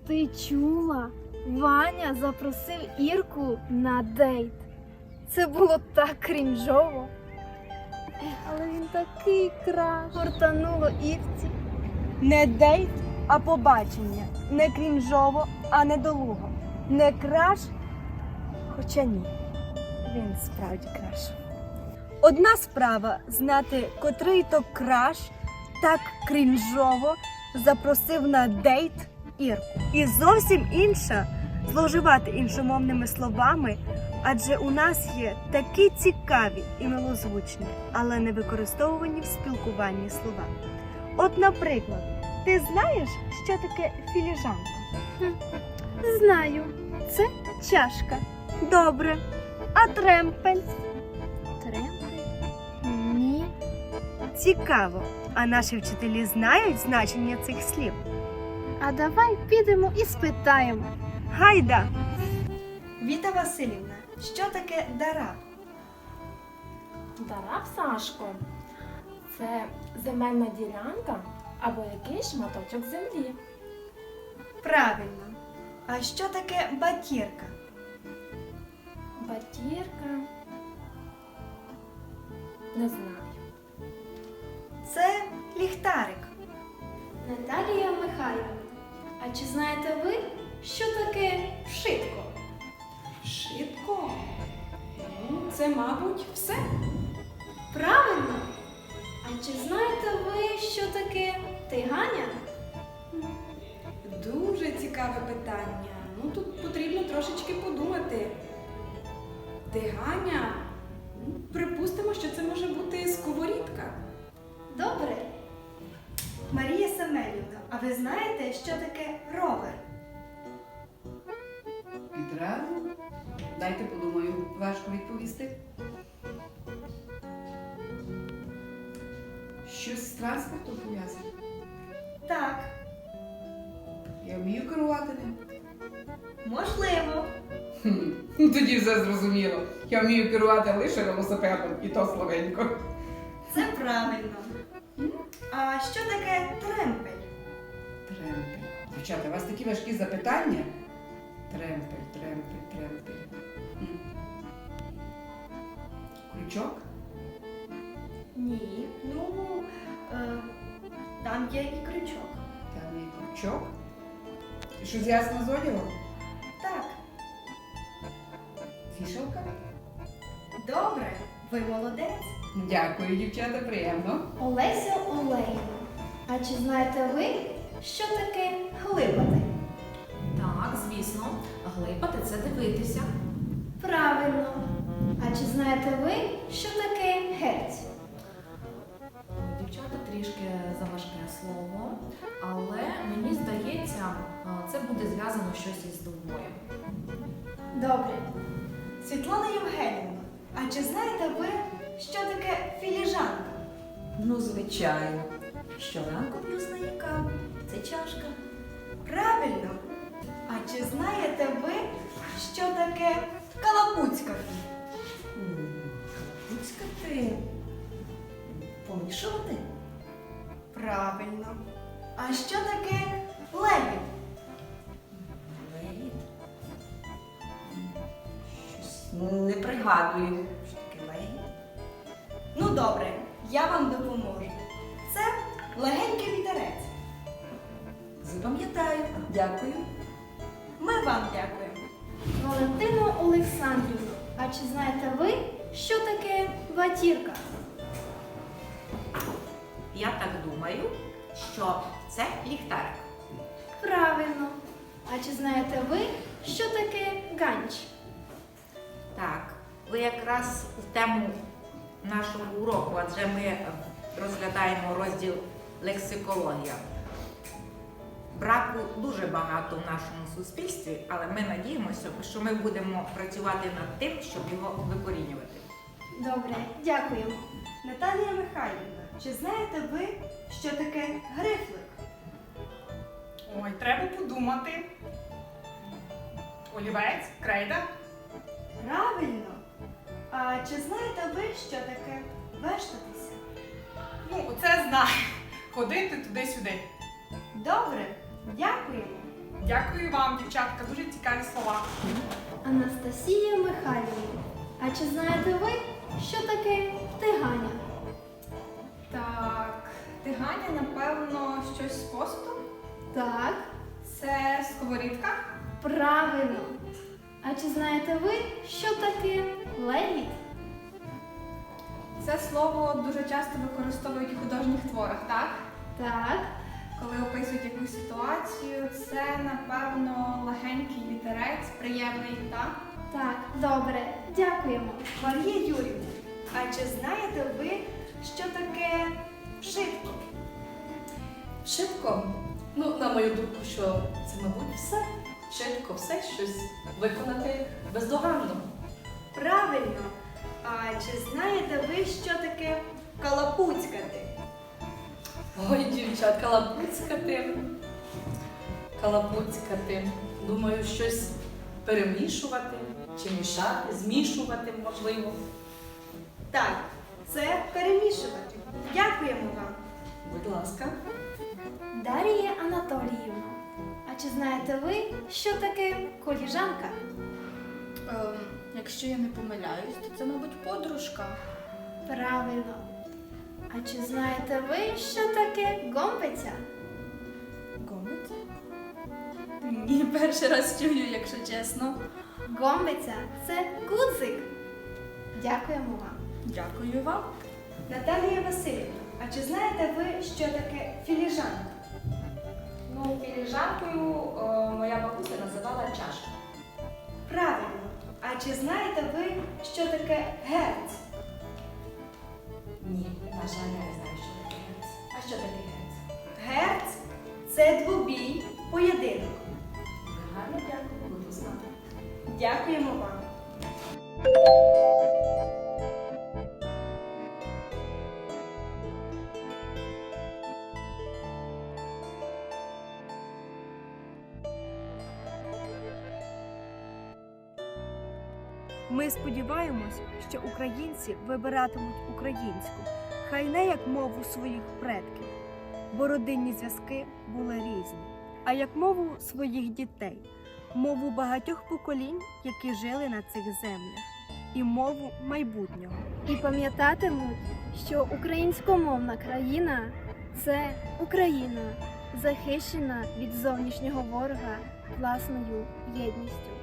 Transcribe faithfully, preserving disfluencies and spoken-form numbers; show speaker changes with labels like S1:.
S1: Ти чула? Ваня запросив Ірку на дейт. Це було так крінжово. Ех, але він такий краш. Гортануло Ірці.
S2: Не дейт, а побачення. Не крінжово, а недолуго. Не краш, хоча ні. Він справді краш. Одна справа знати, котрий то краш так крінжово запросив на дейт Ірку. І зовсім інша зловживати іншомовними словами, адже у нас є такі цікаві і милозвучні, але не використовувані в спілкуванні слова. От, наприклад, ти знаєш, що таке філіжанка?
S1: Знаю, це чашка.
S2: Добре. А тремпель?
S1: Тремпель? Ні.
S2: Цікаво. А наші вчителі знають значення цих слів?
S1: А давай підемо і спитаємо.
S2: Гайда! Віта Василівна, що таке дараб?
S3: Дараб, Сашко, це земельна ділянка або якийсь шматочок землі.
S2: Правильно. А що таке батірка?
S3: Батірка. Не знаю.
S2: Це ліхтарик.
S1: Наталія Михайлівна, а чи знаєте ви, що таке вшитко?
S4: Шибко? Ну, це, мабуть, все.
S1: Правильно. А чи знаєте ви, що таке тиганя?
S4: Дуже цікаве питання. Ну, тут потрібно трошечки подумати. Тиганя? Ну, припустимо, що це може бути сковорідка.
S1: Добре.
S2: Марія Семенівна, а ви знаєте, що таке ровер?
S5: Відразу? Дайте подумаю, важко відповісти. Щось з транспортом пов'язане?
S2: Так,
S5: Я вмію керувати ним.
S2: можливо.
S5: Хм, тоді все зрозуміло. Я вмію керувати лише велосипедом, і то слабенько.
S2: Це правильно. А що таке тремпель?
S5: Тремпель. Дівчата, у вас такі важкі запитання? Тремпель, тремпель, тремпель. М. Крючок?
S2: Ні. Ну, е, там є і крючок.
S5: Там є крючок. І що зв'язано з одягом?
S2: Так,
S5: Вішалка?
S2: добре. Ви молодець.
S5: Дякую, дівчата, приємно.
S1: Олеся Олейна, а чи знаєте ви, що таке глибати?
S3: Так, звісно, глипати це дивитися.
S1: Правильно. А чи знаєте ви, що таке герць?
S3: Дівчата трішки заважке слово, але мені здається, це буде зв'язано щось із довбоєм.
S1: Добре.
S2: Світлана Євгенівна, а чи знаєте ви, що таке філіжанка?
S6: Ну, звичайно. Щоранку п'ю з неї каву. Це чашка.
S2: Правильно. А чи знаєте ви, що таке калапуцька?
S6: Пуцькати. Помішувати?
S2: Правильно. А що таке левіт?
S6: Лейт. Щось не пригадую. Що таке лейт?
S2: Ну добре, я вам допоможу. Це легенький вітерець.
S6: Запам'ятаю. Дякую.
S2: Ми вам дякуємо.
S1: Валентина Олександрівна, а чи знаєте ви, що таке ватірка?
S7: Я так думаю, що це ліхтарик.
S1: Правильно. А чи знаєте ви, що таке ганч?
S7: Так, ви якраз в тему нашого уроку, адже ми розглядаємо розділ лексикологія. Браку дуже багато в нашому суспільстві, але ми надіємося, що ми будемо працювати над тим, щоб його викорінювати.
S1: Добре, дякуємо.
S2: Наталія Михайлівна, чи знаєте ви, що таке грифлик?
S8: Ой, треба подумати. Олівець, крейда.
S2: Правильно. А чи знаєте ви, що таке вештатися?
S8: Ну, це знаю. Ходити туди-сюди.
S2: Добре, дякуємо.
S8: Дякую вам, дівчатка, дуже цікаві слова.
S1: Анастасія Михайлівна, а чи знаєте ви, що таке тиганя?
S4: Так, тиганя, напевно, щось з посуду.
S1: Так,
S4: Це сковорідка.
S1: правильно. А чи знаєте ви, що таке легіт?
S4: Це слово дуже часто використовують у художніх творах, так?
S1: Так,
S4: Коли описують якусь ситуацію, це, напевно, легенький вітерець, приємний, так?
S1: так, добре, дякуємо.
S2: Марія Юрівна, а чи знаєте ви, що таке вшитко?
S9: Швидко. Ну, на мою думку, що це, мабуть, все. Швидко, все щось виконати бездоганно.
S2: Правильно. А чи знаєте ви, що таке калапуцькати?
S9: Ой, дівчат, калапуцькати. Калапуцькати. Думаю, щось перемішувати чи мішати, змішувати, можливо.
S2: Так, це перемішувати. Дякуємо вам.
S9: Будь ласка.
S1: Дар'я Анатоліївна, а чи знаєте ви, що таке коліжанка?
S10: Ем, якщо я не помиляюсь, то це, мабуть, подружка.
S1: Правильно. А чи знаєте ви, що таке гомбиця?
S10: Гомець? Ні, перший раз чую, якщо чесно.
S1: Гомбиця це гудзик. Дякуємо вам.
S10: Дякую вам.
S2: Наталія Васильівна, а чи знаєте ви, що таке філіжанка?
S3: Ну, філіжанкою моя бабуся називала чашку.
S2: Правильно. А чи знаєте ви, що таке герць?
S3: Ні, на жаль, я не знаю, що таке герць. А що таке герць?
S2: Герць це двобій, поєдинок.
S3: Гарно дякую, буду знати.
S2: Дякуємо вам. Ми сподіваємось, що українці вибиратимуть українську, хай не як мову своїх предків, бо родинні зв'язки були різні, а як мову своїх дітей, мову багатьох поколінь, які жили на цих землях, і мову майбутнього.
S1: І пам'ятатимуть, що українськомовна країна це Україна, захищена від зовнішнього ворога власною єдністю.